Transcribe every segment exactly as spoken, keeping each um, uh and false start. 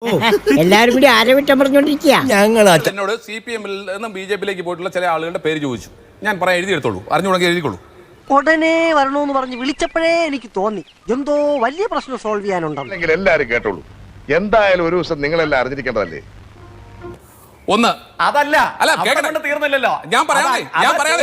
എല്ലാരും കൂടി ആരവിട്ടം പറഞ്ഞോണ്ടിരിക്കുക. ഞങ്ങൾ എന്നോട് സി പി എമ്മിൽ നിന്നും ബി ജെ പിയിലേക്ക് പോയിട്ടുള്ള ചില ആളുകളുടെ പേര് ചോദിച്ചു. ഞാൻ പറയാൻ എഴുതിയെടുത്തോളൂ, അറിഞ്ഞുകൊണ്ടെങ്കിൽ എഴുതിക്കോളൂ. ഉടനെ വരണമെന്ന് പറഞ്ഞ് വിളിച്ചപ്പോഴേ എനിക്ക് തോന്നി എന്തോ വലിയ പ്രശ്നം സോൾവ് ചെയ്യാനുണ്ടല്ലോ. എല്ലാരും കേട്ടോളൂ, എന്തായാലും ഒരു ദിവസം നിങ്ങളെല്ലാം അറിഞ്ഞിരിക്കേണ്ടതല്ലേ. ഒന്ന് അതല്ല അല്ല അവിടെ കേൾക്കട്ടെ. കൊണ്ട് തീർന്നില്ലല്ലോ. ഞാൻ പറയാതെ ഞാൻ പറയാതെ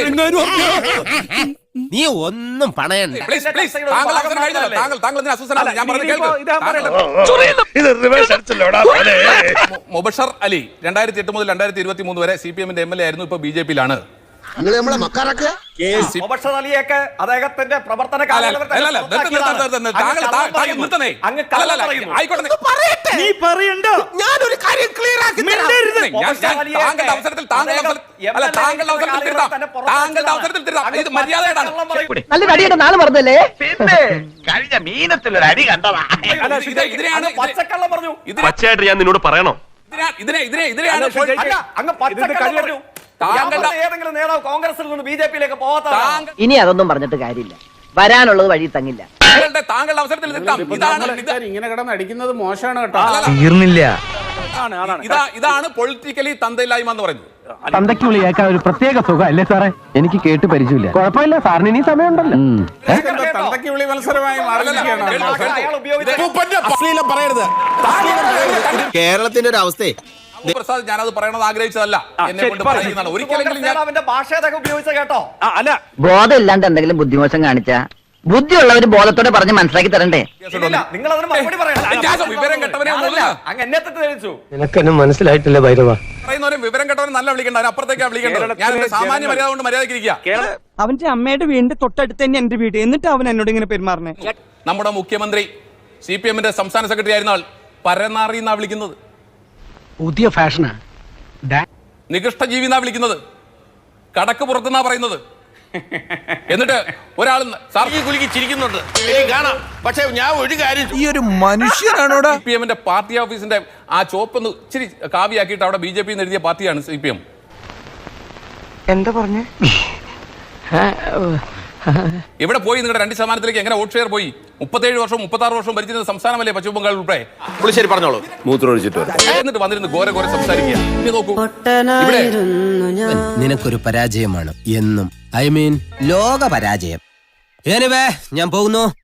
നീ ഒന്നും പണയണ്ട. പ്ലീസ് പ്ലീസ് താങ്കൾ അവസരം കഴിഞ്ഞല്ലോ. താങ്കൾ താങ്കൾ ഇതിന് അസ്വസ്ഥനാണ്. ഞാൻ പറഞ്ഞത് കേൾക്ക്. ഇത് റിവേഴ്സ് അടിച്ചല്ലോടാ. മു- മുബഷർ അലി രണ്ടായിരത്തി എട്ട് മുതൽ രണ്ടായിരത്തി ഇരുപത്തി മൂന്ന് വരെ സി പി എമ്മിന്റെ എം എൽ എ ആയിരുന്നു. ഇപ്പൊ ബി ജെ പിയിലാണ്. മുബഷർ അലിയൊക്കെ അദ്ദേഹത്തിന്റെ പ്രവർത്തന അല്ല, അല്ല, അല്ല, അല്ല, നിർത്ത്, നിർത്ത്, നിർത്ത്, നിർത്ത്. താങ്കൾ താ- താങ്കൾ നിർത്തണേ. അങ്ങ് അല്ല, അല്ല, കള്ളം അല്ല, പറയുന്നു. ആയിക്കോട്ടെ. നീ പറയണ്ട. ഞാനൊരു കാര്യം ക്ലിയർ ആക്കി തരാം. ഞാൻ- ഞാൻ- മുബഷർ അലിയൊക്കെ താങ്കളുടെ അവസരത്തിൽ താങ്കളുടെ അവസരത്തിൽ അദ്ദേഹം അല്ല എം എൽ എ താങ്കളുടെ അവസരത്തിൽ തിരുത്താം. തന്നെ പുറത്താക്കിയതാണ്. താങ്കളുടെ അവസരത്തിൽ തിരുത്താം. ഇത് മര്യാദയാണ്. കള്ളം പറയും. നല്ല കടിയുടെ നാള് പറഞ്ഞല്ലേ? പിന്നെ കഴിഞ്ഞ മീനത്തിലൊരു അടി കണ്ടതാ. അല്ല, ഇത് ഇതിനെയാണ് അങ്ങ് പച്ചക്കള്ളം പറഞ്ഞു. ഇതിനെ പച്ചയായിട്ട് ഞാൻ നിന്നോട് പറയണോ? ഇതിനെ ഇതിനെ ഇതിനെ ഇതിനെയാണ് അല്ല, ഇപ്പോൾ- അല്ല, അങ്ങ് പച്ചക്കള്ളം പറഞ്ഞു. താങ്കളുടെ- ഞാൻ പറഞ്ഞ ഏതെങ്കിലും നേതാവ് കോൺഗ്രസിൽ നിന്ന് ബി ജെ പിയിലേക്ക് പോകാത്തതാണ്. താങ്കൾ- ഇനി അതൊന്നും പറഞ്ഞിട്ട് കാര്യമില്ല, വരാനുള്ളത് വഴി തങ്ങില്ല. താങ്കളുടെ താങ്കളുടെ അവസരത്തിൽ തിരുത്താം. ഇതാണ് ഇത് ഇങ്ങനെ കിടന്ന് അടിക്കുന്നത് മോശമാണ് കേട്ടോ. അല്ലല്ല. തീർന്നില്ല. ഇതാ ഇതാണ് പൊളിറ്റിക്കലി തന്തയില്ലായ്മ എന്ന് പറയുന്നത്. തന്തയ്ക്ക് വിളിയേക്കാൻ ഒരു പ്രത്യേക സുഖം അല്ലേ സാറേ? എനിക്ക് കേട്ട് പരിചയമില്ല. കുഴപ്പമില്ല സാറിന് ഇനി സമയമുണ്ടല്ലോ. ഇതെന്താ തന്തയ്ക്ക് വിളി മത്സരമായി മാറിയിരിക്കുകയാണ്. അയാൾ ഉപയോഗിച്ച അശ്ലീലം പറയരുത്. കേരളത്തിന്റെ ഒരു അവസ്ഥയെ പ്രസാദ് ഞാനത് പറയണത് ആഗ്രഹിച്ചതല്ല. എന്നെ കൊണ്ട് പറയുന്നതാണ്. ഒരിക്കലെങ്കിലും ഞാൻ നേതാവിന്റെ ഭാഷ അതൊക്കെ ഉപയോഗിച്ച കേട്ടോ. അല്ല ബോധം ഇല്ലാണ്ട് എന്തെങ്കിലും ബുദ്ധിമോശം കാണിച്ചാ ബുദ്ധിയുള്ളവര് ബോധത്തോടെ പറഞ്ഞ് മനസ്സിലാക്കി തരണ്ടേ? ഇല്ല, നിങ്ങൾ അതിന് മറുപടി പറയണം. ഞാൻ വിവരം കെട്ടവനെ ഒന്നുമില്ല. അങ്ങ് എന്നെ തെറ്റിദ്ധരിച്ചു. നിനക്കെന്നെ മനസ്സിലായിട്ടില്ല ഭൈരവ. പറയുന്നവരും വിവരം കെട്ടവനെ നല്ല വിളിക്കണ്ട, അതിന് അപ്പുറത്തേക്കാ വിളിക്കേണ്ടത്. ഞാൻ എന്റെ സാമാന്യ മര്യാദ കൊണ്ട് മര്യാദയ്ക്ക് ഇരിക്കുക. അവന്റെ അമ്മയുടെ വീടിന്റെ തൊട്ടടുത്ത് തന്നെ എന്റെ വീട്, എന്നിട്ട് അവൻ എന്നോട് ഇങ്ങനെ പെരുമാറണേ. നമ്മുടെ മുഖ്യമന്ത്രി സി പി എമ്മിന്റെ സംസ്ഥാന സെക്രട്ടറി ആയിരുന്ന ആൾ പരനാറി എന്നാ വിളിക്കുന്നത്. പുതിയ ഫാഷനാ. നികൃഷ്ട ജീവി എന്നാ വിളിക്കുന്നത്. കടക്ക് പുറത്തുനിന്നാ പറയുന്നത്. എന്നിട്ട് ഒരാൾ സാർ കുലുക്കി ചിരിക്കുന്നുണ്ട്. കാണാം. പക്ഷെ ഞാൻ ഒരു കാര്യം, ഈ ഒരു മനുഷ്യനാണോടാ? സി പി എമ്മിന്റെ പാർട്ടി ഓഫീസിന്റെ ആ ചോപ്പൊന്ന് ഇച്ചിരി കാവിയാക്കിയിട്ട് അവിടെ ബി ജെ പി എഴുതിയ പാർട്ടിയാണ് സി പി എം. എന്താ പറഞ്ഞേ? ഇവിടെ പോയി നിങ്ങളുടെ രണ്ട് ശതമാനത്തിലേക്ക് എങ്ങനെ വോട്ട് ഷെയർ പോയി? മുപ്പത്തേഴ് വർഷവും മുപ്പത്താറ് വർഷവും ഭരിച്ചിരുന്ന സംസ്ഥാനമല്ലേ പശ്ചിമ ബംഗാൾ ഉൾപ്പെടെ? പുളിശ്ശേരി പറഞ്ഞോളൂ. മൂത്രമൊഴിച്ചിട്ട് എന്നിട്ട് വന്നിരുന്ന് ഘോര ഘോര സംസാരിക്കുക. ഇനി നോക്കൂ, ഇവിടെ നിനക്കൊരു പരാജയമാണ് എന്നും. ഐ മീൻ ലോക പരാജയം. എനിവേ ഞാൻ പോകുന്നു.